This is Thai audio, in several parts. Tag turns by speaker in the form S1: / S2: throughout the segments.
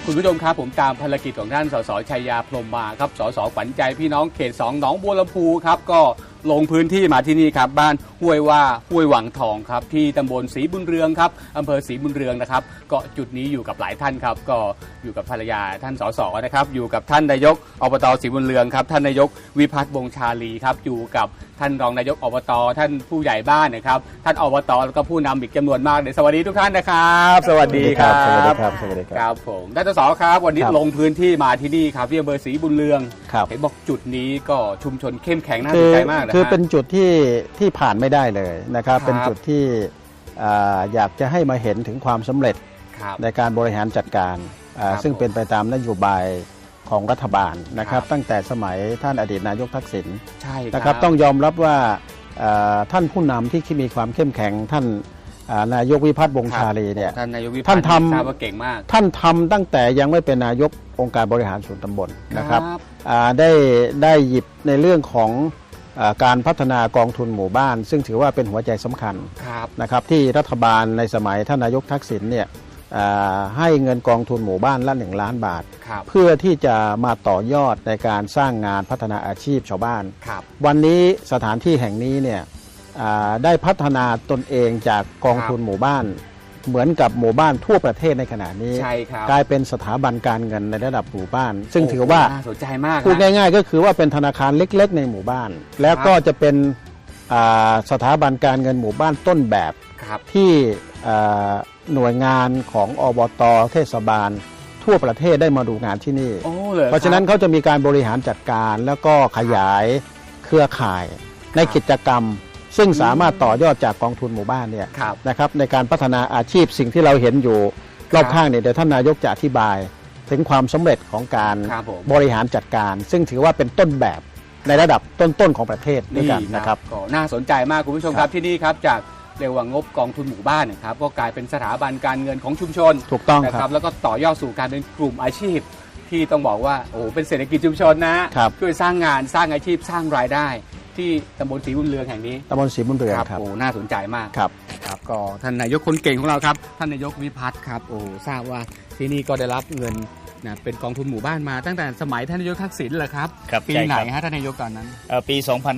S1: คุณผู้ชมครับผมตามภารกิจของท่านสสชัยยาพรหมมาครับสสขวัญใจพี่น้องเขต2หนองบัวลำพูครับก็ลงพื้นที่มาที่นี่ครับบ้านห้วยว่าห้วยหวังทองครับที่ตำบลศรีบุญเรืองครับอำเภอศรีบุญเรืองนะครับก็จุดนี้อยู่กับหลายท่านครับก็อยู่กับภรรยาท่านสสนะครับอยู่กับท่านนายกอบตศรีบุญเรืองครับท่านนายกวิพัฒน์วงศ์ชาลีครับอยู่กับท่านรองนายกอบตท่านผู้ใหญ่บ้านนะครับท่านอบตแล้วก็ผู้นำอีกจำนวนมากเลยสวัสดีทุกท่านนะครับสวัสดีครับ
S2: สวัสดีครับสวัสดีครับ
S1: ผมท่านสสครับวันนี้ลงพื้นที่มาที่นี่ครับที่อำเภอศรีบุญเรืองเห็นบอกจุดนี้ก็ชุมชนเข้มแข็งน่าสนใจมากนะ
S2: คือเป็นจุดที่ผ่านไม่ได้เลยนะครับเป็นจุดที่อยากจะให้มาเห็นถึงความสำเร็จในการบริหารจัดการซึ่งเป็นไปตามนโยบายของรัฐบาลนะครับตั้งแต่สมัยท่านอดีตนายกทักษิณนะครับต้องยอมรับว่าท่านผู้นำที่มีความเข้มแข็งท่านนายกวิพัฒน์วงศ์ชาลีเนี่ยท่านทำ
S1: เก่งมาก
S2: ท่านทำตั้งแต่ยังไม่เป็นนายกองค์การบริหารส่วนตำบลนะครับได้หยิบในเรื่องของการพัฒนากองทุนหมู่บ้านซึ่งถือว่าเป็นหัวใจสำคัญนะครับที่รัฐบาลในสมัยท่านนายกทักษิณเนี่ยให้เงินกองทุนหมู่บ้านละ1 ล้านบาทเพื่อที่จะมาต่อยอดในการสร้างงานพัฒนาอาชีพชาวบ้านวันนี้สถานที่แห่งนี้เนี่ยได้พัฒนาตนเองจากกองทุนหมู่บ้านเหมือนกับหมู่บ้านทั่วประเทศในขณะนี้กลายเป็นสถาบันการเงินในระดับหมู่บ้านซึ่งถือว่า
S1: สนใจมาก
S2: พูดง่ายๆก็คือว่าเป็นธนาคารเล็กๆในหมู่บ้านแล้วก็จะเป็นสถาบันการเงินหมู่บ้านต้นแบบที่หน่วยงานของอบต.เทศบาลทั่วประเทศได้มาดูงานที่นี่เพราะฉะนั้นเขาจะมีการบริหารจัดการแล้วก็ขยายเครือข่ายในกิจกรรมซึ่งสามารถต่อยอดจากกองทุนหมู่บ้านเนี่ยนะครับในการพัฒนาอาชีพสิ่งที่เราเห็นอยู่รอบข้างเนี่ยเดี๋ยวท่านนายกจะอธิบายถึงความสำเร็จของการบริหารจัดการซึ่งถือว่าเป็นต้นแบบในระดับต้นๆของประเทศด้วยกันนะครับ
S1: ก็น่าสนใจมากคุณผู้ชมครับที่นี่ครับจากเรียกว่างบกองทุนหมู่บ้านนะครับก็กลายเป็นสถาบันการเงินของชุมชน
S2: ถูกต้อง
S1: นะครับแล้วก็ต่อยอดสู่การเป็นกลุ่มอาชีพที่ต้องบอกว่าโอ้เป็นเศรษฐกิจชุมชนนะช่วยสร้างงานสร้างอาชีพสร้างรายได้ที่ตำบลศรีบุญเรืองแห่งนี้
S2: ตำบลศรีบุญเรืองครับ
S1: โอ้น่าสนใจมากครับก็ท่านนายกคนเก่งของเราครับท่านนายกวิพัฒน์ครับโอ้ทราบว่าที่นี่ก็ได้รับเงินนะเป็นกองทุนหมู่บ้านมาตั้งแต่สมัยท่านนายกทักษิณแหละครับปีไหนฮะท่านนายกตอนนั้น
S3: ปี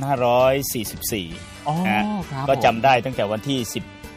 S3: 2544ก็จำได้ตั้งแต่วันที่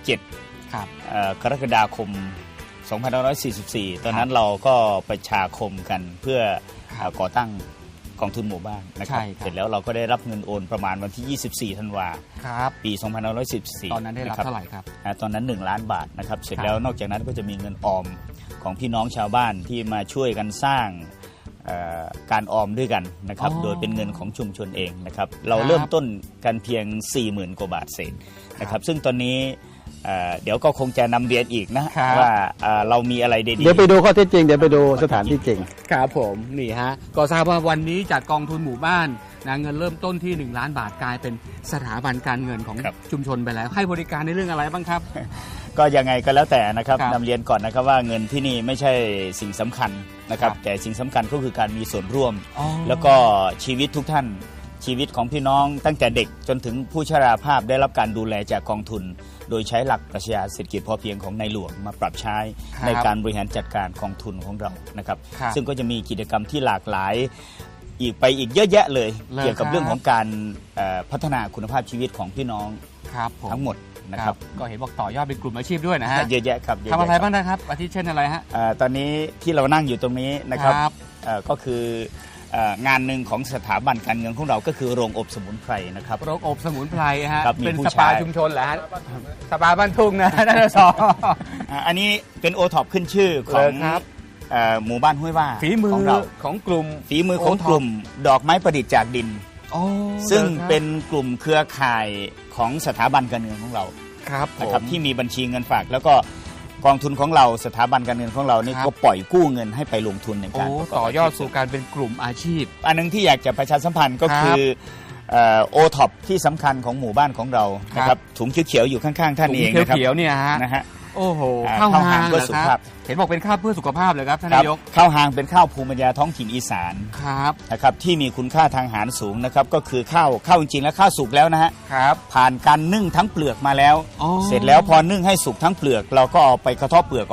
S3: 17กรกฎาคม 2544ตอนนั้นเราก็ประชาคมกันเพื่อก่อตั้งกองทุนหมู่บ้านนะครับเสร็จแล้วเราก็ได้รับเงินโอนประมาณวันที่24ธันวาปี 2544
S1: ตอนนั้นได้รับเท่าไหร่ครับ
S3: ตอนนั้น1 ล้านบาทนะครับเสร็จแล้วนอกจากนั้นก็จะมีเงินออมของพี่น้องชาวบ้านที่มาช่วยกันสร้างการออมด้วยกันนะครับโดยเป็นเงินของชุมชนเองนะครับเราเริ่มต้นกันเพียง 40,000 กว่าบาทเศษนะครับซึ่งตอนนี้เดี๋ยวก็คงจะนำเรียนอีกนะว่าเรามีอะไรดีๆ
S2: เดี๋ยวไปดูข้อเท็จจริงเดี๋ยวไปดูสถานที่จริง
S1: ครับผมนี่ฮะก็ทราบว่าวันนี้จากกองทุนหมู่บ้านนะเงินเริ่มต้นที่1 ล้านบาทกลายเป็นสถาบันการเงินของชุมชนไปแล้วให้บริการในเรื่องอะไรบ้างครับ
S3: ก็ยังไงก็แล้วแต่นะครับนำเรียนก่อนนะครับว่าเงินที่นี่ไม่ใช่สิ่งสำคัญนะครับแต่สิ่งสำคัญก็คือการมีส่วนร่วมแล้วก็ชีวิตทุกท่านชีวิตของพี่น้องตั้งแต่เด็กจนถึงผู้ชราภาพได้รับการดูแลจากกองทุนโดยใช้หลักปรัชญาเศรษฐกิจพอเพียงของในหลวงมาปรับใช้ในการบริหารจัดการกองทุนของเรานะครับซึ่งก็จะมีกิจกรรมที่หลากหลายอีกเยอะแยะเลยเกี่ยวกับเรื่องของการพัฒนาคุณภาพชีวิตของพี่น้องทั้งหมดนะครับ
S1: ก็เห็นบอกต่อยอดเป็นกลุ่มอาชีพด้วยนะฮะ
S3: เยอะแยะครับ
S1: ทำอะไรบ้างนะครับอาทิเช่นอะไรฮะ
S3: ตอนนี้ที่เรานั่งอยู่ตรงนี้นะครับก็คืองานหนึ่งของสถาบันการเงินของเราก็คือโรงอบสมุนไพรนะครับ
S1: โรงอบสมุนไพรฮะเป็นสปาชุมชนเหรอฮะสปาบ้านทุ่งนะท่านสอ
S3: อันนี้เป็นโอท็อปขึ้นชื่อของหมู่บ้านห้วยว่า
S1: ฝีมือของเราของกลุ่ม
S3: ฝีมือของกลุ่มดอกไม้ประดิษฐ์จากดินซึ่งเป็นกลุ่มเครือข่ายของสถาบันการเงินของเรานะครับที่มีบัญชีเงินฝากแล้วก็กองทุนของเราสถาบันการเงินของเรานี่ก็ปล่อยกู้เงินให้ไปลงทุนในการ
S1: ต่อยอดสู่การเป็นกลุ่มอาชีพ
S3: อันนึงที่อยากจะประชาสัมพันธ์ก็คือโอท็อปที่สำคัญของหมู่บ้านของเรานะครับถุงเขียวๆอยู่ข้างๆท่านเอง
S1: นะครับถุงเขียวๆเนี่ยฮะโอ้โหข้าวหางเพื่อสุขภาพเห็นบอกเป็นข้าวเพื่อสุขภาพเลยครับท่านนายก
S3: ข้าวหางเป็นข้าวภูมิปัญญาท้องถิ่นอีสานนะครับที่มีคุณค่าทางอาหารสูงนะครับก็คือข้าวจริงๆแล้วข้าวสุกแล้วนะฮะผ่านการนึ่งทั้งเปลือกมาแล้วเสร็จแล้วพอนึ่งให้สุกทั้งเปลือกเราก็เอาไปกระเทาะเปลือกออก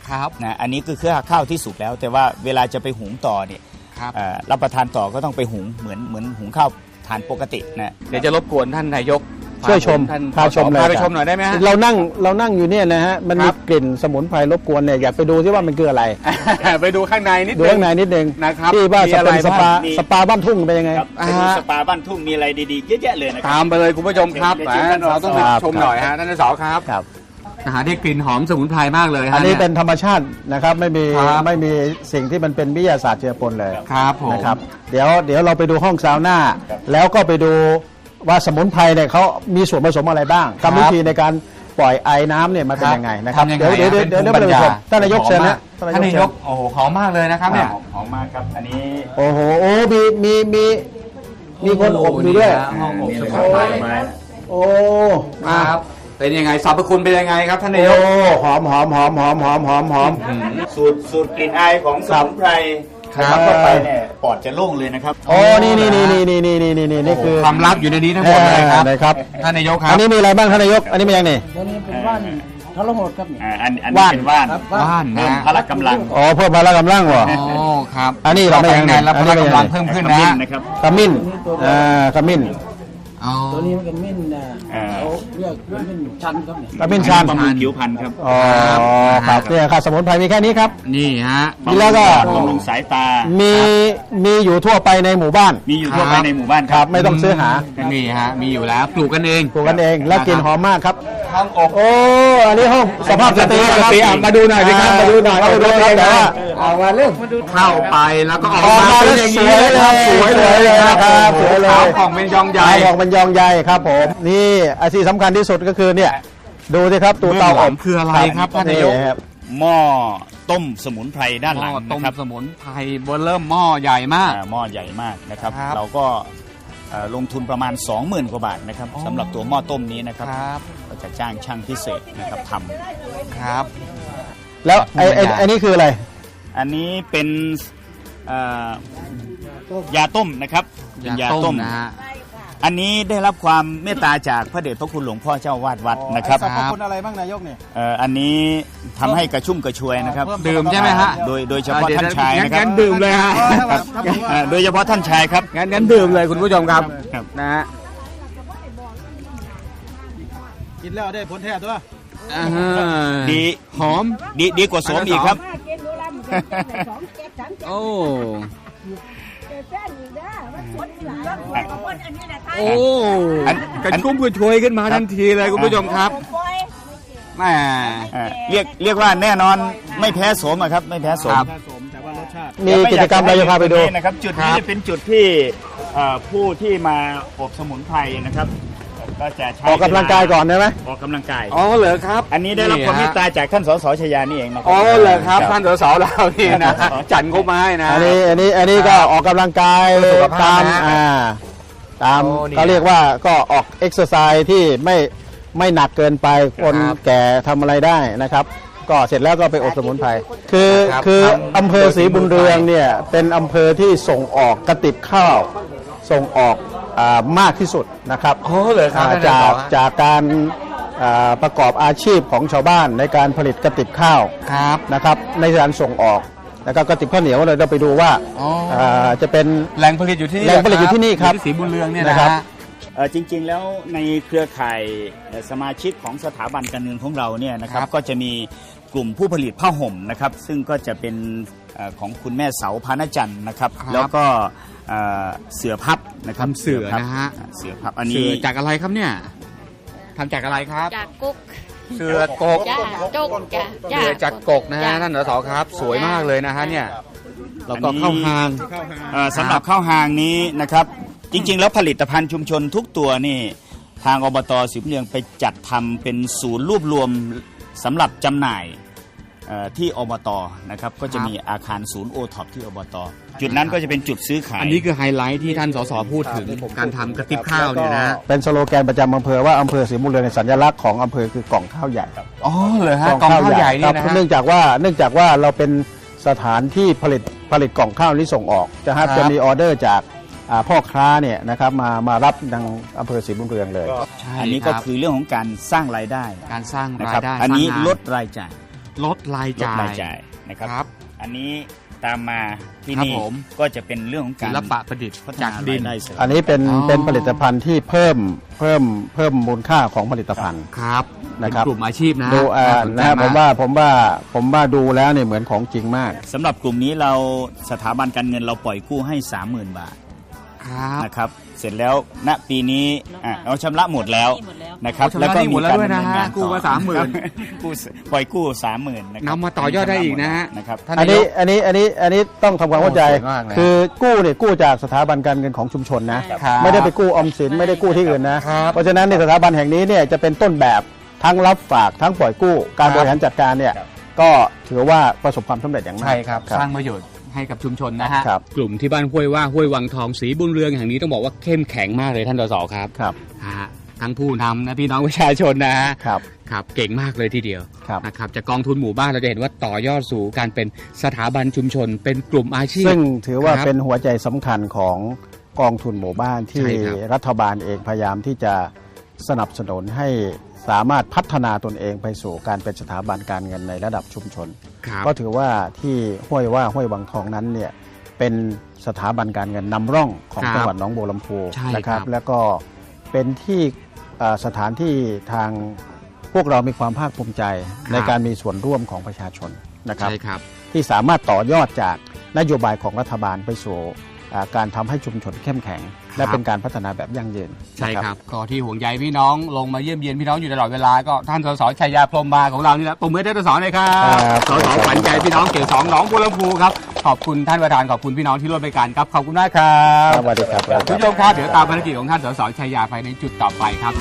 S1: ครับ
S3: นะอันนี้คือเครือข้าวที่สุกแล้ว แต่ว่าเวลาจะไปหุงต่อเนี่ย
S1: ครับ
S3: รับประทานต่อก็ต้องไปหุงเหมือนหุงข้าวทานปกตินะ
S1: เดี๋ยวจะรบกวนท่านนายก
S2: ช่วยชม
S1: ท่าน
S2: พาชมเลย
S1: พาไปชมหน่อยได้ไหมฮะ
S2: เรานั่งอยู่เนี่ยนะฮะมัน
S1: ค
S2: มี
S1: รับ
S2: กลิ่นสมุนไพรรบกวนเนี่ยอยากไปดูที่ว่ามันคืออะไร
S1: ไปดูข้างในนิด
S2: ดู
S1: นึ
S2: ข้างในนิดนึง
S1: นะครับ
S2: ที่ว่า
S1: มี
S2: จะ
S1: อะไร
S2: เป็น
S1: บ้าง
S2: สปาบ้านทุ่งเป็นยังไง
S3: ครับไปดูสปาบ้านทุ่งมีอะไรดีๆเยอะแยะเลยนะครั
S1: ตามไปเลยคุณผู้ชมครับ
S3: เดี๋ยวเชิญท่าน
S1: เราต้องไป
S2: ครับ
S1: ชมหน่อยฮะท่านสครับ
S2: ครับ
S1: อาหารที่กลิ่นหอมสมุนไพรมากเลยฮะ
S2: อันนี้
S1: ย
S2: เป็นธรรมชาตินะครับไม่มี
S1: ครับ
S2: ไม่มีสิ่งที่มันเป็นวิทยาศาสตร์เจือปนเลย
S1: ครับผม
S2: นะครับเดี๋ยวเราไปดูห้องซาวน่าแล้วก็ไปดูว่าสมุนไพรเนี่ยเขามีส่วนผสมอะไรบ้างกรรมวิธีในการปล่อยไอ้น้ำเนี่ยมันเป็นยังไงนะครับ
S1: ทำยังไง
S2: เดี๋ยว
S1: ฮะ
S2: เดี๋ยว
S1: เป็น
S2: ไปดู
S1: ภูมิปัญญา
S2: ท่านนายกเชิญนะ
S1: ท่านนายกโอ้โหหอมมากเลยนะครับเนี่ย
S3: หอมมากครับอันนี้
S2: โอ้โหโอ้มีคนอบอยู่ด้วย
S1: ห้องอบ
S3: นี่
S1: ส
S3: เลย
S1: มุ
S3: คน รับ
S1: ไพร
S3: ไม้
S2: โอ้
S1: ครับเป็นยังไงสรรพคุณเป็นยังไงครับท่านนาย
S2: โอ้
S1: ก
S2: หอม
S3: สูตรกลิ่นอายของสมุนไพร
S1: ครับ
S3: เข้าไปเนี่ยปอดจะโล่งเลยนะครับ
S2: โอ้นี่นี่คือ
S1: ความลับอยู่ในนี้ทั้งหมดเลยครับ
S2: นะครับ
S1: ท่านนายกครั
S2: อั
S1: บ
S2: นนี้มีอะไรบ้างท่านนายกอันนี้มีอย่างนี่
S4: ตัวนี้เป็นว่านทรหดครับเนี่ย
S3: อันนี้
S2: ว่าน
S3: เป็นว่าน
S4: ครับ
S1: ว่าน
S3: เพิ่
S1: นะ
S3: มพละกำลัง
S2: อ๋อเพิ่มพละกำลังวะ
S1: อ๋อครับ
S2: อันนี้เราไม่ยังไง
S1: แล้วพละกำลังเพิ่มขึ้นนะ
S3: นะครับ
S2: ขมิ้นขมิ้น
S1: อ๋อ
S4: ตัวนี้มันเป็นมิ้นนะ
S3: อ่า
S4: เขาเรียกมิ้นชันครับเนี่ย
S2: ขมิ้นชัน
S3: บำรุงผิวพรรณครับ
S2: อ๋อครับเนี่ยครับสมุนไพรมีแค่นี้ครับ
S1: นี่ฮะ
S2: มีแล้วก็
S3: บำรุงสายตา
S2: มีอยู่ทั่วไปในหมู่บ้าน
S3: มีอยู่ทั่วไปในหมู่บ้าน
S2: ค
S3: ค
S2: รั
S3: รั
S2: บบ ไม่ต้องซื้อหา
S1: นี่ฮะมีอยู่แล้วปลูกกันเอง
S2: ปลูกกันเองและกลิ่นหอมมากครับ
S1: ห้องอบ
S2: โอ้อันนี้ห้องสภาพสตรีครับ
S1: อ่ะมาดูหน่อยสิครับมาดูหน่อย
S2: มาดูหน่อยแต่ว่า
S1: ออกมาเรื่องเข้าไปแล้วก็ออก
S2: ออก
S1: มา
S2: มา
S1: เป็น
S2: แล้ว
S1: อย่าง
S2: ส
S1: นี้
S2: วย
S1: เลย
S2: เลย
S1: ครับสวยเลยครับ
S2: ครับสวยเลย
S1: ขาวผ่องเป็นยองใหญ่
S2: ออกมันยองใหญ่ครับผมนี่ไอ้ที่สำคัญที่สุดก็คือเนี่ยดูสิครับตัวเตา
S1: เบื้องห
S2: อ
S1: ลั
S2: บ
S1: งคืออะไรครับท่านนายก
S2: ครับ
S3: หม้อต้มสมุนไพรด้านหลัง
S1: ต้ม
S3: นะครับ
S1: สมุนไพรเบอร์เริ่มหม้อใหญ่มาก
S3: หม้อใหญ่มากนะครับ
S1: ครับ
S3: เราก็ลงทุนประมาณ 20,000 กว่าบาทนะครับ
S1: อ๋อ
S3: สำหรับตัวหม้อต้มนี้นะครับ
S1: ครับ
S3: เราจะจ้างช่างพิเศษนะครับท
S1: ครับ
S2: แล้วไอ้นี่คืออะไร
S3: ำอันนี้เป็นเอ่อยาต้มนะครับเป็นยาต้ม
S1: นะฮะ
S3: อันนี้ได้รับความเมตตาจากพระเดชพระคุณหลวงพ่อเจ้าวาดวัดนะครับ
S2: สรรพคุณอะไรบ้างนายกเนี่ย
S3: อันนี้ทำให้กระชุ่มกระชวยนะครับ
S1: ดื่มใช่ไหมฮะ
S3: โดยเฉพาะท่านชายนะครั
S1: งั้
S3: บ
S1: นดื่มเลยฮะ
S3: ครับโดยเฉพาะท่านชายครับ
S1: งั้นดื่มเลยคุณผู้ชมครับ
S3: ครับ
S1: นะฮะ
S2: กินแล้วได้ผลแท้ตัว
S1: อ่า
S3: ดี
S1: หอม
S3: ดีกว่าสวมอีกครับ
S5: มากินดูแลมันเป็นสองเจ็ดสามเจ็ด
S1: โอ้
S5: เจ็ดแป้งอีกนะมันคนหลายคนอันนี้แหละท่าน
S1: โอ้กระชุ่มกระชวยขึ้นมาทันทีเลยคุณผู้ชมครับ
S5: ปล่อย
S1: แหม
S3: เรียกว่าแน่นอนไม่แพ้โสมอะครับไม่แพ้โสม
S1: ครับ
S2: มีกิจกรรมอะไรจะพาไปดู
S3: นะครับจุดนี้จะเป็นจุดที่ผู้ที่มาอบสมุนไพรนะครับก็จะใช้
S2: ออกกำลังกายก่อนได้ไหม
S3: ออกกำลังกาย
S1: อ๋อเหรอครับ
S3: อันนี้ได้รับความเมตตาจากท่านสสชยานี่เองนะครั
S1: อ๋อเหรอครับท่านสสเรานี่นะจัดงบมาให้นะ
S2: อันนี้ก็ออกกำลังกาย
S1: เพื่อสุขภา
S2: ตา
S1: พ
S2: ม
S1: นะ
S2: ตาม
S1: โอ้นี่
S2: เขาเรียกว่าก็ออกเอ็กซ์ไซส์ที่ไม่หนักเกินไปคน
S1: ครับ
S2: แก่ทำอะไรได้นะครับ ก็เสร็จแล้วก็ไปอบสมุนไพรคือ
S1: ครับ
S2: คือ
S1: ทำ
S2: อำเภอศรีบุญเรืองเนี่ยเป็นอำเภอที่ส่งออกกระติบข้าวส่งออกมากที่สุดนะครับ
S1: โอ้เหรอครับท่านสส
S2: จากการประกอบอาชีพของชาวบ้านในการผลิตกระติบข้าว
S1: ครับ
S2: นะครับในการส่งออกแล้วก็กระติบข้าวเหนียวเราไปดูว่า
S1: อ๋อ
S2: จะเป็น
S1: แหล่งผลิตอยู่ที่นี่
S2: แหล่งผลิตอยู่ที่นี่ครับ
S1: ที่ศรีบุญเรืองเนี่ย
S2: นะ
S1: นะ
S2: ค
S1: ค
S2: รั
S1: รับ บ
S3: จริงๆแล้วในเครือข่ายสมาชิกของสถาบันการเงินของเราเนี่ยนะครับ
S1: ครับ
S3: ก็จะมีกลุ่มผู้ผลิตผ้าห่มนะครับซึ่งก็จะเป็นของคุณแม่เสาพานจันทร์นะครับ
S1: ครับ
S3: แล้วก็เสือพับนะครับ
S1: ทำเสือนะฮะ
S3: เสือพับอัน
S1: เสื
S3: นี้
S1: อจากอะไรครับเนี่ยทำจากอะไรครับ
S6: จากกุ๊ก
S1: เสือกก
S6: จ้าจุกจ้า
S1: เสือจากกกนะฮะท่านสสครับ สวยมากเลยนะฮะเนี่ยแล้วก็
S3: อันนี้
S1: เข้าหาง
S3: สำหรับข้าวหางนี้นะครับ จริงๆ แล้วผลิตภัณฑ์ชุมชนทุกตัวนี่ทางอบตศรีบุญเรืองไปจัดทำเป็นศูนย์รวบรวมสำหรับจำหน่ายที่อบตนะครับก็จะมีอาคารศูนย์โอท็อปที่อบตจุดนั้นก็จะเป็นจุดซื้อขาย
S1: อันนี้คือไฮไลท์ที่ท่านสสพูดถึงการทำกระติบข้าวเนี่ยนะ
S2: เป็นสโลแกนประจำอำเภอว่าอำเภอศรีบุญเรืองในสัญลักษณ์ของอำเภอคือกล่องข้าวใหญ่
S1: อ๋อเหรอฮะกล่องข้าวใหญ่เนี่ยนะ
S2: ครับ
S1: ฮะ
S2: เนื่องจากว่าเราเป็นสถานที่ผลิตกล่องข้าวนี้ส่งออกจะมีออเดอร์จากพ่อค้าเนี่ยนะครับมารับทางอำเภอศรีบุญเรืองเลย
S1: ใช่
S3: อันนี้ก็คือเรื่องของการสร้างรายได้
S1: การสร้าง
S3: นะ
S1: รา
S3: ครั
S1: ย
S3: บ
S1: ได้
S3: อันนี้
S1: สร้างงา
S3: ลดรายจ่าย
S1: ลดราย
S3: ลด
S1: จ่าย
S3: รายจ่ายนะครับ
S1: ครับ
S3: อันนี้ตามมาที่
S1: ครับ
S3: นี่
S1: ผม
S3: ก็จะเป็นเรื่องของ
S1: ศิ
S3: การ
S1: ลปะประดิษฐ์
S3: พัฒ
S1: จาก
S3: นา
S1: ดิ
S3: ราย
S1: น
S3: ได้เสริม
S2: อันนี้เป็น
S1: อ๋อ
S2: เป็นผลิตภัณฑ์ที่เพิ่มมูลค่าของผลิตภัณฑ์
S1: ครับ
S2: นะครับ
S1: เป็นกลุ่มอาชีพนะ
S2: ดู
S1: น่าสนใจ
S2: นะผม
S1: มาก
S2: ว่าดูแล้วเนี่ยเหมือนของจริงมาก
S3: สำหรับกลุ่มนี้เราสถาบันการเงินเราปล่อยกู้ให้ 30,000 บาท
S1: ครับ
S3: นะครับเสร็จแล้วณปีนี้เราชำระหมดแล้วนะครับ
S1: ชำระหนี้หมดแล้วด้วยนะฮะ
S3: ดำเนินงานต่อ
S1: กู้มา30,000
S3: ครับกู้ปล่อยกู้ 30,000นะครับ
S1: นำมาต่อยอดได้อีกนะฮะ
S3: นะครับ
S1: ท่าน
S2: อัน
S1: นาย
S2: นี้
S1: ก
S2: อันนี้ต้องทำความเข้าใจ
S1: โอ้สวยมากเลย
S2: คือกู้เนี่ยกู้จากสถาบันการเงินของชุมชนนะ
S1: ครับ
S2: ไม่ได้ไปกู้ออมสินไม่ได้กู้ที่อื่นนะ
S1: ครับ
S2: เพราะฉะนั้นในสถาบันแห่งนี้เนี่ยจะเป็นต้นแบบทั้งรับฝากทั้งปล่อยกู้การบริหารจัดการเนี่ยก็ถือว่าประสบความสำเร็จอย่างมาก
S1: ใช่ครับสร้างประโยชน์ให้กับชุมชนนะฮะ
S2: ครับ
S1: กลุ่มที่บ้านห้วยว่าห้วยวังทองศรีบุญเรืองแห่งนี้ต้องบอกว่าเข้มแข็งมากเลยท่านสสครับ
S2: ครับ
S1: ฮะทั้งผู้นำนะพี่น้องประชาชนนะฮะ
S2: ครับ
S1: ครับเก่งมากเลยทีเดียว
S2: ครับ
S1: นะครับจากกองทุนหมู่บ้านเราจะเห็นว่าต่อยอดสู่การเป็นสถาบันชุมชน เป็นกลุ่มอาชีพ
S2: ซึ่งถือว่า
S1: ครับ
S2: เป็นหัวใจสำคัญของกองทุนหมู่บ้านที่
S1: ใช่ครับ
S2: รัฐบาลเองพยายามที่จะสนับสนุนให้สามารถพัฒนาตนเองไปสู่การเป็นสถาบันการเงินในระดับชุมชน
S1: ครับ
S2: ก็ถือว่าที่ห้วยวังทองนั้นเนี่ยเป็นสถาบันการเงินนำร่องของ
S1: ครับ
S2: จังหวัดหนองบัวลำพู
S1: ใช่
S2: นะค
S1: ครั
S2: รับ บแล้วก็เป็นที่สถานที่ทางพวกเรามีความภาคภูมิใจในการมีส่วนร่วมของประชาชนนะครับ
S1: ใช่ครับ
S2: ที่สามารถต่อยอดจากนโยบายของรัฐบาลไปสู่การทำให้ชุมชนเข้มแข็ง และเป็นการพัฒนาแบบยั่งยืน
S1: ใช่
S2: นะครับ
S1: ก็ที่ห่วงใยพี่น้องลงมาเยี่ยมเยียนพี่น้องอยู่ตลอดเวลาก็ท่านสสชัยยาพรหมมาของเรานี่แหละปมมือได้สสเลยครับ
S2: ครับ
S1: สสขวัญใจพี่น้องเขต2หนองบัวลำพูครับขอบคุณท่านประธานขอบคุณพี่น้องที่ร่วมรายการครับขอบคุณมากครับ
S2: สวัสดีครับ
S1: คุณผู้ชมครับเดี๋ยวตามภารกิจของท่านสสชัยยาไปในจุดต่อไปครับ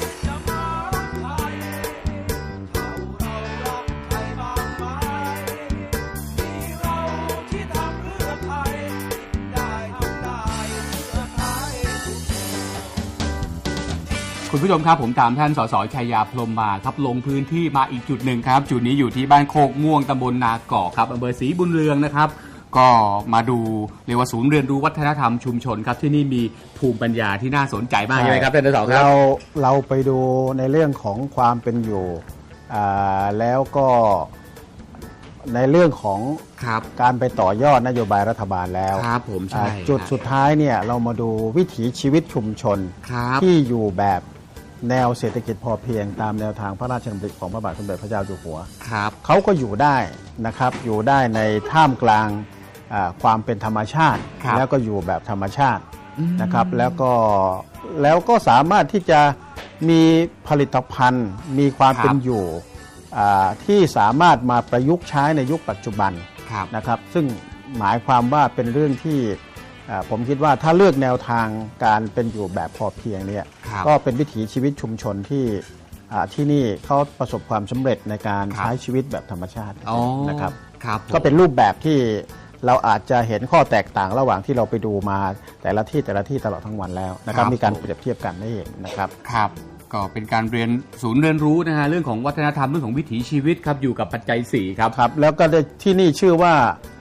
S1: คุณผู้ชมครับผมตามท่านสสชัยยาพรหมมาครับลงพื้นที่มาอีกจุดหนึ่งครับจุดนี้อยู่ที่บ้านโคกม่วงตำบลนาเกาะครับอำเภอศรีบุญเรืองนะครับก็มาดูเรียกว่าศูนย์เรียนรู้วัฒนธรรมชุมชนครับที่นี่มีภูมิปัญญาที่น่าสนใจมากใช่ไหมครับท่านสสครับ
S2: เราไปดูในเรื่องของความเป็นอยู่แล้วก็ในเรื่องของ
S1: ครับ
S2: การไปต่อยอดนโยบายรัฐบาลแล้ว
S1: ครับผมใช่
S2: จุดสุดท้ายเนี่ยเรามาดูวิถีชีวิตชุมชน
S1: ครับ
S2: ที่อยู่แบบแนวเศรษฐกิจพอเพียงตามแนวทางพระราชดำริของพระบาทสมเด็จพระเจ้าอยู่หัว
S1: ครับ
S2: เขาก็อยู่ได้นะครับอยู่ได้ในท่ามกลางความเป็นธรรมชาติ
S1: ครับ
S2: แล้วก็อยู่แบบธรรมชาตินะครับแล้วก็สามารถที่จะมีผลิตภัณฑ์ มีความเป็นอยู่ที่สามารถมาประยุกต์ใช้ในยุคปัจจุบัน
S1: ครับ
S2: นะครับซึ่งหมายความว่าเป็นเรื่องที่ผมคิดว่าถ้าเลือกแนวทางการเป็นอยู่แบบพอเพียงเนี่ย
S1: ครับ
S2: ก็เป็นวิถีชีวิตชุมชนที่นี่เขาประสบความสำเร็จในการ
S1: ครับ
S2: ใช้ชีวิตแบบธรรมชาติ
S1: อ๋อ
S2: นะครับ
S1: ครับ
S2: ก็เป็นรูปแบบที่เราอาจจะเห็นข้อแตกต่างระหว่างที่เราไปดูมาแต่ละที่ตลอดทั้งวันแล้วนะครับมีการเปรียบเทียบกันได้เห็นนะครับ
S1: ครับก็เป็นการเรียนศูนย์เรียนรู้นะฮะเรื่องของวัฒนธรรมเรื่องของวิถีชีวิตครับอยู่กับปัจจัย4ครับ
S2: ครับแล้วก็ที่นี่ชื่อว่า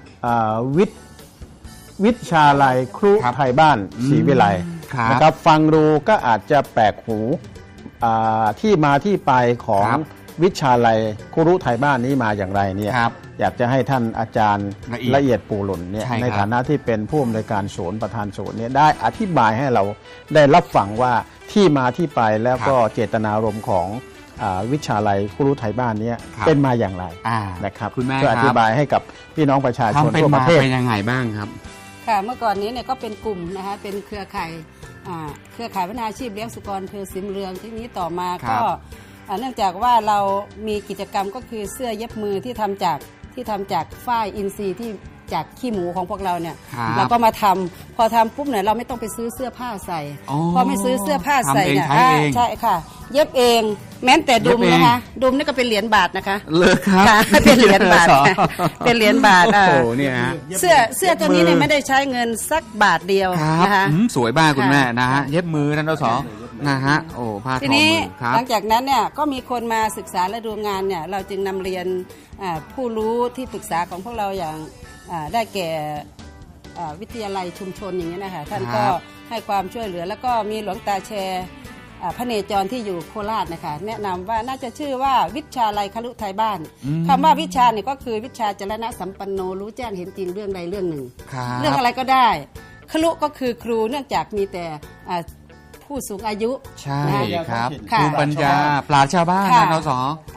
S2: วิชาลัยครุ
S1: ครับ
S2: ไทยบ้านศรีวิไล
S1: ครับ
S2: นะครับฟังดูก็อาจจะแปลกหูที่มาที่ไปของ
S1: ครับ
S2: วิชาลัยครุไทยบ้านนี้มาอย่างไรเนี่ย
S1: ครับ
S2: อยากจะให้ท่านอาจารย์
S1: ละเอียด
S2: ปูหล่นเนี่ย
S1: ใช่ครับ
S2: ในฐานะที่เป็นผู้อำนวยการศูนย์ประธานศูนย์เนี่ยได้อธิบายให้เราได้รับฟังว่าที่มาที่ไปแล้วก็เจตนารมณ์ของวิชาลัยครุไทยบ้านเนี่ย
S1: ครับ
S2: เป็นมาอย่างไร
S1: อ่า
S2: นะครับ
S1: คุณแม่
S2: เพื่ออ
S1: ค
S2: ธิ
S1: รับ
S2: บายให้กับพี่น้องประชาชน
S1: ทำเป็น
S2: ทั่วป
S1: มา
S2: ระเทศ
S1: เป็นยังไงบ้างครับ
S5: ค่ะเมื่อก่อนนี้เนี่ยก็เป็นกลุ่มนะคะเป็นเครือข่ายเครือข่ายพัฒนาอาชีพเลี้ยงสุกรอำเภอศรีบุญเรืองที่นี้ต่อมา
S1: ครั
S5: ก็
S1: บ
S5: เนื่องจากว่าเรามีกิจกรรมก็คือเสื้อเย็บมือที่ทำจากฝ้ายอินทรีย์ที่จากขี้หมูของพวกเราเนี่ย
S1: ครับ
S5: เราก็มาทำพอทำปุ๊บเนี่ยเราไม่ต้องไปซื้อเสื้อผ้าใส่
S1: อ๋อ
S5: พอไม่ซื้อเสื้อผ้าใส่เนี่ย
S1: ทำเองใช้เอง
S5: ใช่ค่ะ เย็บเองแม้แต่ดุม
S1: เย็บเอง
S5: นะคะดุมนี่ก็เป็นเหรียญบาทนะคะ
S1: เลิกครับ
S5: ค่ะเป็นเหรียญบาทค่ะเป็นเหรียญบาท
S1: โอ้โหเนี่ยฮะ
S5: เสื้อตัวนี้เนี่ยไม่ได้ใช้เงินสักบาทเดียว
S1: ครับ
S5: นะคะ
S1: สวยมากคุณ
S5: ค่ะ
S1: แม่นะฮะเย็บมือท่านสนะฮะโอ้ผ้าท
S5: ที
S1: อ
S5: นี้
S1: มือครับ
S5: หลังจากนั้นเนี่ยก็มีคนมาศึกษาและดูงานเนี่ยเราจึงนำเรียนผู้รู้ที่ปรึกษาของพวกเราอย่างได้แก่วิทยาลัยชุมชนอย่างนี้ยนะคะท่านก็ให้ความช่วยเหลือแล้วก็มีหลวงตาแชร์พระเนจรที่อยู่โคราชนะคะแนะนำว่าน่าจะชื่อว่าวิชาลัยคฤทัยบ้านคำว่าวิชาเนี่ยก็คือวิชาจรณะสัมปันโนรู้แจ้งเห็นจริงเรื่องใดเรื่องหนึ่ง เรื่องอะไรก็ได้ครุก็คือครูเนื่องจากมีแต่ผู้สูงอายุ
S1: ใช่ครับ
S5: ค่ะ
S1: ภูมิปัญญาปราชญ์ชาวบ้าน
S5: ค่ะ
S1: นะนส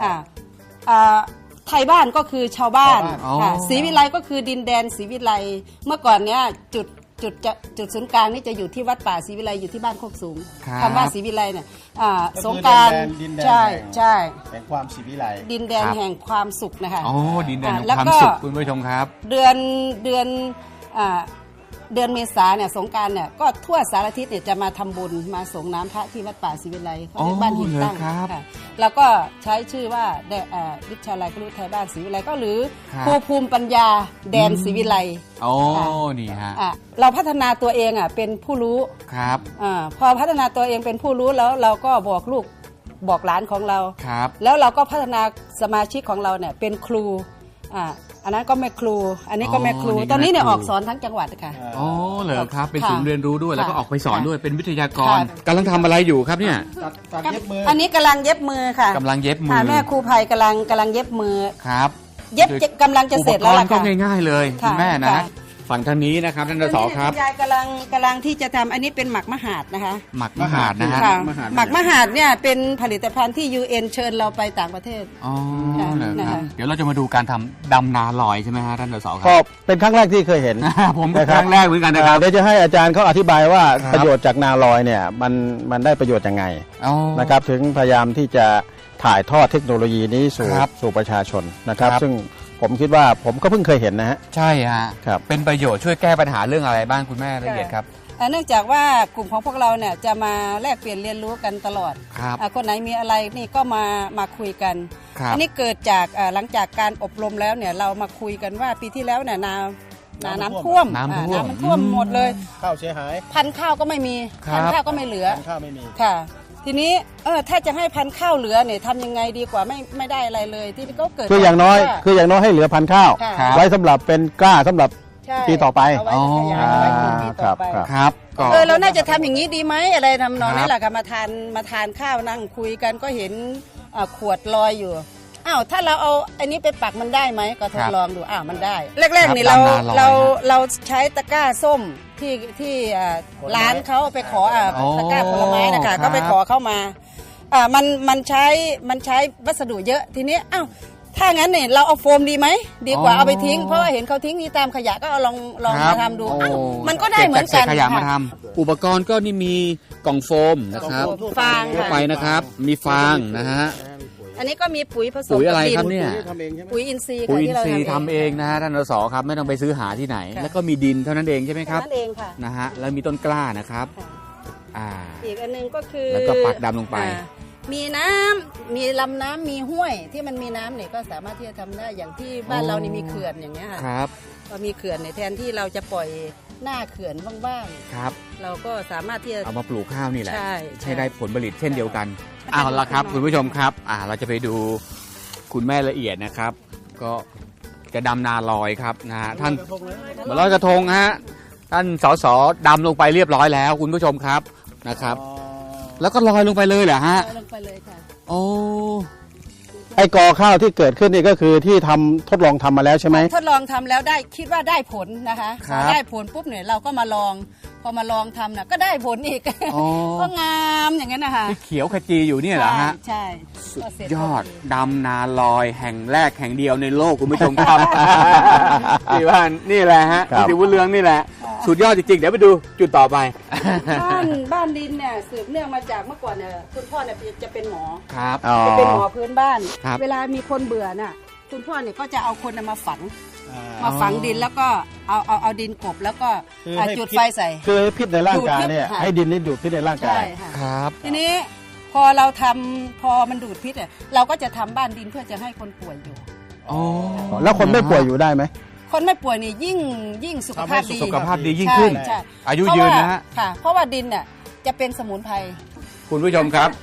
S5: ไทยบ้านก็คือชาวบ้าน
S1: อ๋อ
S5: ค่ะศรีวิไลก็คือดินแดนศรีวิไลเมื่อก่อนเนี้ยจุดศูนย์กลางนี่จะอยู่ที่วัดป่าศรีวิไลอยู่ที่บ้านโคกสูงคำว่าศรีวิไลเนี่ยสงกรานต์
S2: ดินแดน
S5: ใช่ใช่
S2: แห่งความศรีวิไล
S5: ดินแดนแห่งความสุขนะคะ
S1: โอ้ดินแดนแห่ง
S5: แล้ว
S1: ความ
S5: ก็
S1: สุขคุณผู้ชมครับ
S5: เดือนเมษาเนี่ยสงกรานต์เนี่ยก็ทั่วสารทิศเนี่ยจะมาทำบุญมาส่งน้ำพระที่วัดป่าศรีวิไลเขาเรียกบ้านหินตั้ง
S1: เหรอครับ
S5: ค่ะแล้วก็ใช้ชื่อว่าวิชาลัยคฤทัยบ้านศรีวิไลก็หรือครูภูมิปัญญาแดนศรีวิไล
S1: โอ้นี่ฮะ
S5: เราพัฒนาตัวเองเป็นผู้รู้
S1: ครับ
S5: พอพัฒนาตัวเองเป็นผู้รู้แล้วเราก็บอกลูกบอกหลานของเรา
S1: ครับ
S5: แล้วเราก็พัฒนาสมาชิกของเราเนี่ยเป็นครูอันนั้นก็แม่ครู อันนี้ก็แม่ครู
S1: อ๋อนี่ก็
S5: ตอนนี้เนี่ย
S1: แม่ครู
S5: ออกสอนทั้งจังหวัดค่ะ
S1: โอ้เหรอครับ เป็น
S5: ค่ะ
S1: ศูนย์เรียนรู้ด้วยแล้วก็
S5: ค่ะ
S1: ออกไปสอนด้วยเป็นวิทยากร
S5: ค่ะ
S1: กำลังทำอะไรอยู่ครับเนี่ย
S2: ตัดเย็บมือ
S5: อันนี้กำลังเย็บมือค่ะ
S1: กำลังเย็บมื
S5: ค่ะ
S1: อ
S5: แม่ครูภัยกำลังเย็บมือ
S1: ครับ
S5: เย็บกำลังจะเสร็จแล้ว
S1: อุป
S5: ล่ะ
S1: กรณ์ก็
S5: ค่ะ
S1: ง่ายๆเลย
S5: ค่ะ
S1: คุณแม่นะ
S5: ค่ะ
S1: ฝั่งทางนี้นะครับท่านนสครับ
S5: ณยายกำลังที่จะทำอันนี้เป็นหมักมหาดนะคะ
S1: หมักมหาดนะฮะ
S5: ค่ะหมักมหาดเนี่ยเป็นผลิตภัณฑ์ที่ UN เชิญเราไปต่างประเทศ
S1: อ๋อ
S5: ค่ะ
S1: เหรอค
S5: นะ
S1: รับ
S5: คะ
S1: เดี๋ยวเราจะมาดูการทำดำนาลอยใช่ไหมฮะท่านนสค
S2: ก็
S1: รับ
S2: เป็นครั้งแรกที่เคยเห็น
S1: ผมก็ครั้งแรกเหมือนกันนะครับ
S2: เดี๋ยวจะให้อาจารย์เขาอธิบายว่า
S1: ครับ
S2: ประโยชน์จากนาลอยเนี่ยมันได้ประโยชน์ยังไง
S1: อ๋อ
S2: นะครับถึงพยายามที่จะถ่ายทอดเทคโนโลยีนี้สู่
S1: ครับ
S2: สู่ประชาชนนะครับ
S1: ครับ
S2: ซึ่งผมคิดว่าผมก็เพิ่งเคยเห็นนะฮะ
S1: ใช่ฮะ
S2: ครับ
S1: เป็นประโยชน์ช่วยแก้ปัญหาเรื่องอะไรบ้างคุณแม่ละเอียดครับ
S5: เนื่องจากว่ากลุ่มของพวกเราเนี่ยจะมาแลกเปลี่ยนเรียนรู้กันตลอด
S1: ครับ
S5: คนไหนมีอะไรนี่ก็มาคุยกัน
S1: ครับ
S5: อันี้เกิดจากหลังจากการอบรมแล้วเนี่ยเรามาคุยกันว่าปีที่แล้วเนี่ยน้ำท่วม
S1: น้ำท่วม
S5: มันท่วมหมดเลย
S2: ข้าวเสียหาย
S5: พันธุ์ข้าวก็ไม่มี
S1: ครับ
S5: พันธุ์ข้าวก็ไม่เหลือ
S2: ข้าวไม่มี
S5: ค่ะ ทีนี้ถ้าจะให้พันธุ์ข้าวเหลือเนี่ยทำยังไงดีกว่าไม่ได้อะไรเลยที่ก็เกิด
S2: คืออย่างน้อย
S5: ว่า
S2: คืออย่างน้อยให้เหลือพันธุ์ข้าว
S5: ค่ะ
S1: ครับ
S2: ไว้สำหรับเป็นกล้าสำหรับ
S5: ใช่
S2: ปีต่อไป
S5: เอาไว้ขยายเอาไว้ปลูกปีต่อไป
S2: ครับ
S1: ครับก็
S5: เราน่าจะทำอย่างนี้ดีไหมอะไรทำนอง
S1: ครับ
S5: นี้แหละค่ะมาทานข้าวนั่งคุยกันก็เห็นขวดลอยอยู่อ้าวถ้าเราเอาอันนี้ไปปักมันได้ไหมก็ทดลองดูอ้าวมันได้แรกๆนี่
S1: ครับ
S5: เราใช้ตะกร้าส้มที่ร้านเขาไปขอตะกร้าผลไม้นะคะก็ไปขอเข้ามามันใช้วัสดุเยอะทีนี้อ้าวถ้างั้นเนี่ยเราเอาโฟมดีไหมดีกว่าเอาไปทิ้งเพราะว่าเห็นเขาทิ้งที่ตามขยะก็เอาลองมาทำดูอ้าวมันก็ได้เหมือนกัน
S1: ก็บจากศษขยะมา
S5: ค่ะ
S1: ทำอุปกรณ์ก็นี่มีกล่องโฟมนะครับ
S5: ฟาง
S1: ทั่ว
S5: ค่ะ
S1: ไปนะครับ มีฟางนะฮะ
S5: อันนี้ก็มีปุ๋ยผสม
S1: ปุ๋ยอะไร
S5: กับดิน
S1: ครับเนี่ย
S5: ปุ๋ยอินทรีย์
S1: ปุ๋
S5: ค่ะ
S1: ยอิน
S5: ที่เรา
S1: ทรีย์ทำเองนะฮะท่านนสครับไม่ต้องไปซื้อหาที่ไหน
S5: ค่ะ
S1: แล้วก็มีดินเท่านั้นเองใช่ไหมครับ
S5: นั่นเองค่ะ
S1: นะฮะแล้วมีต้นกล้านะครับ
S5: ค่ะ
S1: อ่า
S5: อีกอันหนึงก็คือ
S1: แล้วก็ปักดำลงไป
S5: มีน้ำมีลำน้ำมีห้วยที่มันมีน้ำเนี่ยก็สามารถที่จะทำได้อย่างที่บ้านเรานี่มีเขื่อนอย่างเงี้ยค่ะ
S1: ครับ
S5: พอมีเขื่อนเนี่ยแทนที่เราจะปล่อยหน้าเขื่อนบ้าง
S1: ครับ
S5: ๆเราก็สามารถที่จะ
S1: เอามาปลูกข้าวนี่แหละ
S5: ใช่
S1: ให้ได้ผลผลิตเช่นเดียวกัน
S5: ใช่
S1: เอาละครับ
S5: ใช่
S1: คุณผู้ชมครับเราจะไปดูคุณแม่ละเอียดนะครับ ก็จะดำนาลอยครับนะฮะท่านมาลอยกระทงฮะท่านสสดำลงไปเรียบร้อยแล้ว คุณผู้ชมครับนะครับ แล้วก็ลอยลงไปเลยเหรอฮะ
S5: ลงไปเลยค่ะ
S1: โอ้
S2: ไอ้กอข้าวที่เกิดขึ้นนี่ก็คือที่ทดลองทำมาแล้วใช่ไหม
S5: ทดลองทำแล้วได้คิดว่าได้ผลนะคะ
S1: ครับ
S5: พอได้ผลปุ๊บเนี่ยเราก็มาลองพอมาลองทำน่ะก็ได้ผลอีก
S1: อ๋อ
S5: ก็งามอย่างนั้นนะคะ
S1: ที่เขียวขจีอยู่เนี่ยเหรอฮะ
S5: ใช่
S1: สุด
S5: ก็เสร็จ
S1: ยอด
S5: พดี
S1: ดำนาลอยแห่งแรกแห่งเดียวในโลกคุณผู้ชมครับ นี่บ้านนี่แหละฮะ
S2: ครับ
S1: ที่วุ้นเรืองนี่แหละ สุดยอดจริงๆ เดี๋ยวไปดูจุดต่อไป
S5: บ้านดินเนี่ยสืบเนื่องมาจากเมื่อก่อนเนี่ยคุณพ่อเนี่ยจะเป็นหมอ
S1: ครับ
S2: อ๋อ
S5: จะเป็นหมอพื้นบ้าน
S1: ครับ
S5: เวลามีคนเบื่อน่ะคุณพ่อเนี่ยก็จะเอาคนน่ะมาฝังดินแล้วก็เอาดินกลบแล้วก็
S2: คือให้
S5: จุด
S2: พิษ
S5: ไฟใส่
S2: คือพิษในร่างกายเนี่ย
S5: ดูดพิษค่ะ
S2: ให้ดินนี่ดูดพิษในร่างกา
S5: ใช่
S2: ย
S5: ค่ะ
S1: ครับ
S5: ทีนี้พอเราทำพอมันดูดพิษเนี่ยเราก็จะทำบ้านดินเพื่อจะให้คนป่วยอยู่
S1: อ๋อ
S2: แล้วคนไม่ป่วยอยู่ได้ไหม
S5: คนไม่ป่วยนี่ยิ่งสุขภาพดี
S1: สุขภาพดียิ่งขึ้น
S5: ใช่
S1: อายุยืนนะฮะ
S5: ค่ะ เพราะว่าดินเนี่ยจะเป็นสมุนไพร
S1: คุณผู้ชมครับ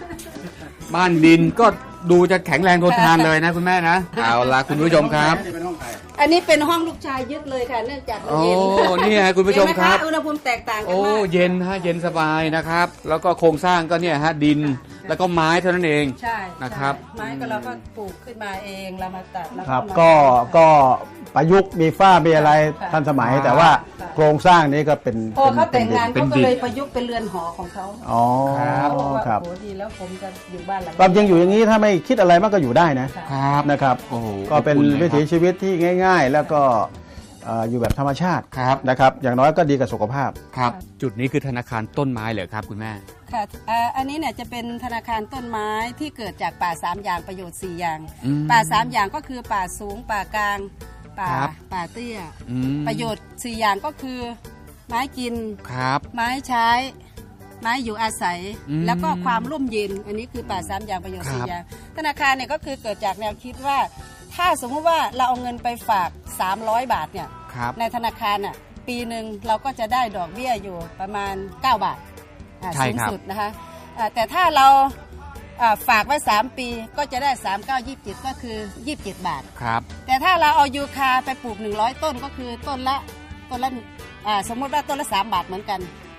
S1: บ้านดินก็ดูจะแข็งแรงทนทานเลยนะคุณแม่นะ เอาละคุณผู้ชมครับ
S5: อันนี้เป็นห้องลูกชายยึดเลยค่ะเนื่องจากมัน
S1: โอ้
S5: เย็น
S1: นี่ฮะคุณผู้ชม
S5: เห็นไห
S1: ครับ
S5: อุณหภูมิแตกต่างกัน
S1: โอ้
S5: มาก
S1: เย็นฮะเย็นสบายนะครับ แล้วก็โครงสร้างก็เนี่ยฮะดินแล้วก็ไม้เท่านั้นเอง
S5: ใช่
S1: นะครับ
S5: ใช่ไม้ก็เราก็ปลูกขึ้นมาเองเรามาตัดแล้ว
S2: ครับ
S5: มา
S2: ก็ประยุกต์มีฝ้ามีอะไร
S5: ค่ะ
S2: ทันสมัย
S1: ค่ะ
S2: แต่ว่าโครงสร้างนี้ก็เป็น
S5: พอเขาแต่งงาน
S1: เป็
S5: เขา
S1: น
S5: ก็
S1: ดิน
S5: เลยประยุกต์เป็นเรือนหอของเขา
S2: อ๋อ
S1: ครับ
S5: เขาบอกว่า
S2: ครับ
S5: โอ้ดีแล้วผมจะอยู่บ้านหลัง
S2: ความจริงอยู่อย่างนี้ถ้าไม่คิดอะไรมันก็อยู่ได้นะ
S1: ครับ
S2: นะครับ
S1: โอ้โห
S2: ก็เป็น
S1: อบอุ่นเลย
S2: วิถี
S1: ครับ
S2: ชีวิตที่ง่าย ๆ แล้วก็อยู่แบบธรรมชาติ
S1: ครับ
S2: นะครับอย่างน้อยก็ดีกับสุขภาพ
S1: ครับ จุดนี้คือธนาคารต้นไม้เหรอครับคุณแม่
S5: ค่ะอันนี้เนี่ยจะเป็นธนาคารต้นไม้ที่เกิดจากป่า3อย่างประโยชน์4อย่าง
S1: อืม
S5: ป่า3อย่างก็คือป่าสูงป่ากลางป่า
S1: ครับ
S5: ป่าเตี้ย
S1: อืม
S5: ประโยชน์4อย่างก็คือ ไม้กิน
S1: ครับ
S5: ไม้ใช้ ไม้อยู่อาศัย
S1: อืม
S5: แล้วก็ความร่มเย็น อันนี้คือป่า3อย่างประโยชน์
S1: ครับ
S5: 4อย่างธนาคารเนี่ยก็คือเกิดจากแนวคิดว่า ถ้าสมมติว่าเราเอาเงินไปฝาก300 บาทเนี่ย
S1: ครับ
S5: ในธนาคารน่ะปีหนึ่งเราก็จะได้ดอกเบี้ยอยู่ประมาณ 9 บาท
S1: ใช่
S5: สูง
S1: ครับ
S5: สุดนะคะแต่ถ้าเราฝากไว้ 3 ปีก็จะได้ 3927 ก็คือ 27 บาท
S1: ครับ
S5: แต่ถ้าเราเอายูคาไปปลูก100 ต้นก็คือต้นละสมมติว่าต้นละ3 บาทเหมือนกัน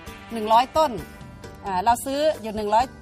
S5: 100 ต้นเราซื้ออยู่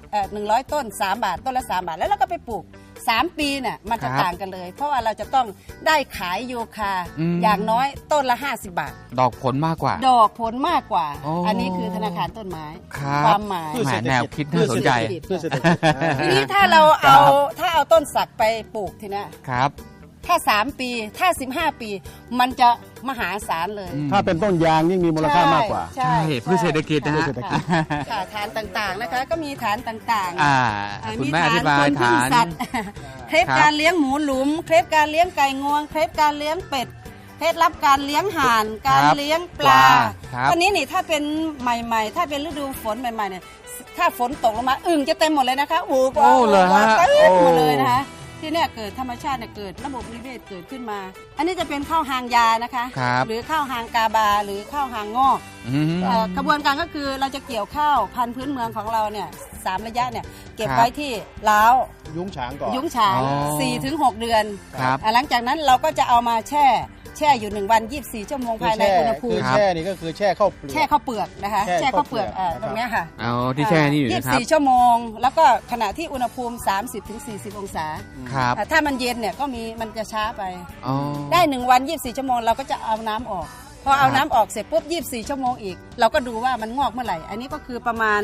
S5: 100ต้น3 บาทต้นละ3 บาทแล้วเราก็ไปปลูก3 ปีเนี่ยมันจะ
S1: ครับ
S5: ต่างกันเลย เพราะว่าเราจะต้องได้ขายยูคา
S1: อืม
S5: อย่างน้อยต้นละ50 บาท
S1: ดอกผลมากกว่า
S5: ดอกผลมากกว่า
S1: โอ้
S5: อันนี้คือธนาคารต้นไม้
S1: ครับ
S5: ความหมาย
S1: แหมแนวคิดน่าสนใจ
S2: เพื่อเศรษฐกิจ
S5: ทีนี้ถ้าเราเอาต้นสักไปปลูกทีเนี้ย
S1: ครับ
S5: ถ้า3 ปีถ้า15 ปี มันจะมหาศาลเลย
S1: อืม
S2: ถ้าเป็นต้นยางยิ่งมีมูลค่ามากกว่า
S5: ใช่
S1: ใช่เพื่อเศรษฐกิจนะฮะ
S2: เพื่อเศรษฐกิจ
S5: ค่ะฐานต่างๆนะคะก็มีฐานต่างๆ
S1: คุณแม่อธิบาย
S5: คนพึ่
S1: ฐาง น
S5: สัตว์ เคล็ด
S1: ครับ
S5: การเลี้ยงหมูหลุม เคล็ดการเลี้ยงไก่งวง เคล็ดการเลี้ยงเป็ด เคล็ดลับการเลี้ยงห่าน การเลี้ยงปลา
S1: ครับ
S5: ตอนนี้นี่ถ้าเป็นใหม่ๆ ถ้าเป็นฤดูฝนใหม่ๆเนี่ยถ้าฝนตกลงมาอึ่งจะเต็มหมดเลยนะคะอูก
S1: โอ้เหรอฮะ
S5: เต็มหมด
S1: โอ้
S5: เลยนะคะที่เนี่ยเกิดธรรมชาติเนี่ยเกิดระบบนิเวศเกิดขึ้นมา อันนี้จะเป็นข้าวหางยานะคะ
S1: ครับ
S5: หรือข้าวหางกาบาหรือข้าวหางงอก
S1: อืม
S5: กระบวนการก็คือเราจะเกี่ยวข้าวพันธุ์พื้นเมืองของเราเนี่ย3 ระยะเนี่ยเก็บ
S1: ครับ
S5: ไว้ที่ล้าว
S2: ยุ้งฉางก่อน
S5: ยุ้งฉาง
S1: อ๋อ
S5: 4 ถึง 6 เดือน
S1: ครับ
S5: หลังจากนั้นเราก็จะเอามาแช่อยู่1 วัน 24 ชั่วโมงภายในอุณหภู
S2: คื
S5: มิ
S2: อแช่นี่ก็คือแช่ข้าวเปลือก
S5: แช่ข้าวเปลือกนะคะ
S2: แช่
S5: แช่ข้าวเปลือก
S2: ข้าวเปลือก
S5: ตรงเนี้ยค่ะ
S1: เอาที่แช่นี่อยู่นะครับ
S5: 24 ชั่วโมง แล้วก็ขณะที่อุณหภูมิ 30 ถึง 40 องศา
S1: ครับ
S5: ถ้ามันเย็นเนี่ยก็มันจะช้าไป
S1: อ๋อ
S5: ได้1 วัน 24 ชั่วโมงเราก็จะเอาน้ำออก พอเอาน้ำออกเสร็จปุ๊บ 24 ชั่วโมงอีก เราก็ดูว่ามันงอกเมื่อไหร่ อันนี้ก็คือประมาณ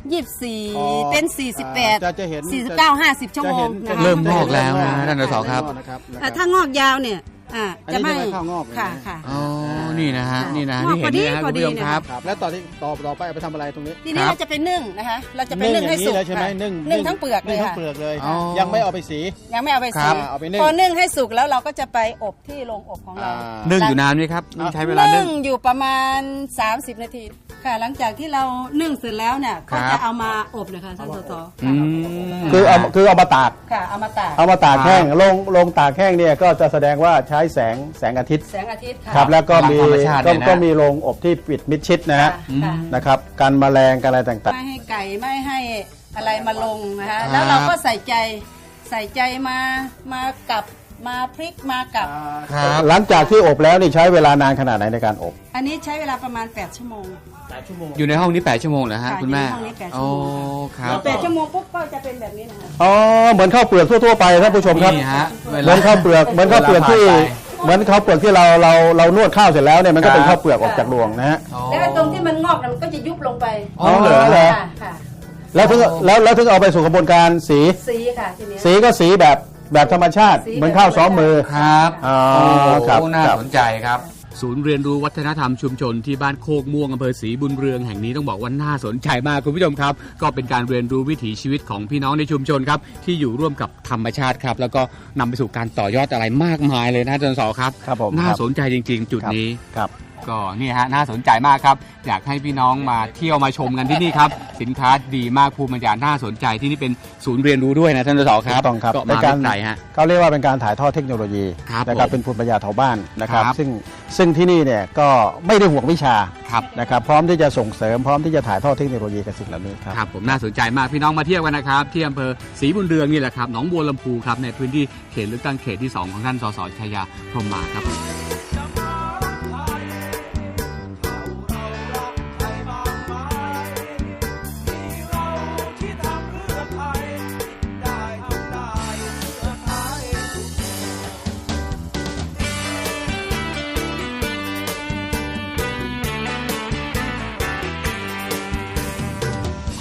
S5: 24 เป็น
S2: จะเห็น
S5: 48 49 50 ชั่วโมงนะคะ
S1: เริ่มงอกแล้วนะท่านสสครับ
S5: ถ้างอกยาวเนี่ยจะไม่
S2: อันนี้จะไม่เข้างอกเลยนะ
S5: ค่ะค่ะ
S1: อ๋อ นี่นะฮะ นี่นะ
S5: งอก
S1: ที่เห็นนี่นะ
S5: พ
S1: คุ
S5: อ
S1: ณ
S5: ดี
S1: ผู้ชมครับ
S2: ครับแล้วต่อไปเอาไปทำอะไรตรงนี้
S5: ทีนี้
S1: ครับ
S5: เราจะไปนึ่งนะคะ เราจะไปนึ่งให้สุก
S2: เลยใช่ไหม
S5: ค่ะ
S2: นึ่ง
S5: นึ่งทั้งเปลือกเลย
S2: นึ่งทั้
S5: ค่ะ
S2: งเปลือกเลย
S1: อ๋อ
S2: ยังไม่เอาไปสี
S5: ยังไม่เอาไป
S1: ครั
S5: สี
S1: บ
S2: เอาไปนึ่ง
S5: พอนึ่งให้สุกแล้วเราก็จะไปอบที่โรงอบของเรา
S1: นึ่งอยู่นานไหมครับใช้เวลานึ่
S5: นึ่
S1: ง
S5: งอยู่ประมาณ 30 นาทีค่ะ หลังจากที่เรานึ่งเสร็จแล้วเนี่ย
S1: ครั
S5: ก็
S1: บ
S5: จะเอามาอบนะคะท่านสส
S1: อืม
S2: คือเอามาตาก
S5: ค่ะเอามาตาก
S2: เอามาตาก
S1: ครับ
S2: แห้งลงตากแห้งเนี่ยก็จะแสดงว่าใช้แสงอาทิตย์
S5: แสงอาทิตย์ค่ะ
S2: ครับแล้วก็มี
S1: พลังธรรมชาติเนี่ยนะ
S2: ก็มีโรงอบที่ปิดมิดชิดนะ
S5: ค่ะ
S2: ฮะ
S5: ค่ะ
S2: นะครับกันแมลงกันอะไรต่าง
S5: ไม่ให้ไก่ไม่ให้อะไรมาลงนะคะ
S1: ครับ
S5: แล้วเราก็ใส่ใจมากับมาพริกมากับ
S1: ครับ
S2: ๆหลังจากที่อบแล้วนี่ใช้เวลานานขนาดไหนในการอบ
S5: อันนี้ใช้เวลาประมาณ8 ชั่วโมง
S1: อยู่ในห้องนี้8 ชั่วโมงเหรอฮะ
S5: ค่ะ
S1: คุณแม่
S5: อยู่ในห้องนี้8 ชั่
S1: โอ้
S5: วโมง
S1: ครับ
S5: 8 ชั่วโมงปุ๊บก็จะเป็นแบบนี้นะคะ
S2: อ๋อเหมือนข้าวเปลือกทั่วๆไปท่านผู้ชมครับ
S1: นี่ฮะ
S2: เหมือนข้าวเปลือกที่
S1: เวลาผ่านไป
S2: เหมือนข้าวเปลือกที่เรานวดข้าวเสร็จแล้วเนี่ยมันก็เป็น
S1: ครับ
S2: ข้าวเปลือกออกจากรวงนะฮะ
S1: อ๋อ
S5: แล้วตรงที่มันงอกน่ะมันก็จะยุบลงไป
S1: อ๋อเหรอ
S5: ค่ะค่ะ
S2: แล้วถึงเอาไปสู่กระบวนการสี
S5: สีค่ะทีนี้
S2: สีก็สีแบบธรรมชาติ
S5: สีแบบ
S2: เหมือนข้าวซ้อมมือ
S1: ครับ
S2: อ๋อ
S1: โอ้
S2: ครับ
S1: น่า
S2: ครับ
S1: สนใจครับ ศูนย์เรียนรู้วัฒนธรรมชุมชนที่บ้านโคกม่วงอำเภอศรีบุญเรืองแห่งนี้ต้องบอกว่าน่าสนใจมากคุณผู้ชมครับ ก็เป็นการเรียนรู้วิถีชีวิตของพี่น้องในชุมชนครับที่อยู่ร่วมกับธรรมชาติครับแล้วก็นำไปสู่การต่อยอดอะไรมากมายเลยนะอาจารย์สอครับ
S2: ครับผม
S1: น่าสนใจจริง ๆ จุดนี้
S2: ครับ
S1: ก็นี่ฮะน่าสนใจมากครับอยากให้พี่น้องมาเที่ยวมาชมกันที่นี่ครับสินค้าดีมากภูมิปัญญาน่าสนใจที่นี่เป็นศูนย์เรียนรู้ด้วยนะท่านสสครับ
S2: ถูกต้องครับ
S1: ก็
S2: ใน
S1: มา
S2: การ
S1: ไม่ไกลฮะ
S2: เขาเรียกว่าเป็นการถ่ายทอดเทคโนโลยี
S1: ครับ
S2: นะครับ
S1: ผม
S2: เป็นภูมิปัญญาชาวบ้านนะครับ
S1: ครับ
S2: ซึ่งที่นี่เนี่ยก็ไม่ได้ห่วงวิชา
S1: ครับ
S2: นะครับพร้อมที่จะส่งเสริมพร้อมที่จะถ่ายทอดเทคโนโลยีกับสิ่งเหล่านี้ครับ
S1: ครับผมน่าสนใจมากพี่น้องมาเที่ยวกันนะครับที่อำเภอศรีบุญเรืองนี่แหละครับหนองบัวลำพูครับในพื้นที่เขตเลือกตั้งเขตที่ 2 ของท่านสสชัยยาพรหมมาครับ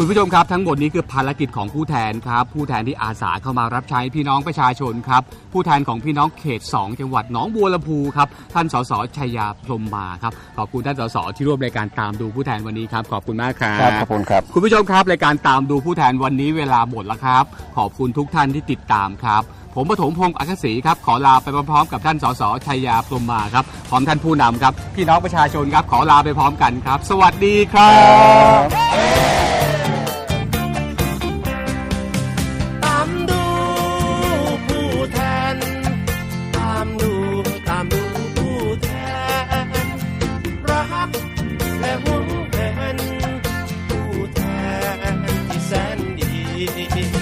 S1: คุณผู้ชมครับทั้งหมดนี้คือภารกิจของผู้แทนครับผู้แทนที่อาสาเข้ามารับใช้พี่น้องประชาชนครับผู้แทนของพี่น้องเขต 2 จังหวัดหนองบัวลำพูครับท่านสสชัยยาพรหมมาครับขอบคุณท่านสสที่ร่วมรายการตามดูผู้แทนวันนี้ครับขอบคุณมากครับ
S2: ขอบคุณครับ
S1: คุณผู้ชมครับรายการตามดูผู้แทนวันนี้เวลาหมดแล้วครับขอบคุณทุกท่านที่ติดตามครับผมปฐมพงศ์อัครศรีครับขอลาไปพร้อมๆกับท่านสสชัยยาพรหมมาครับพร้อมท่านผู้นำครับพี่น้องประชาชนครับขอลาไปพร้อมกันครับสวัสดีครับ
S6: ตามดูผู้แทนตามดูผู้แทนรักและหวงแหนผู้แทนที่แสนดี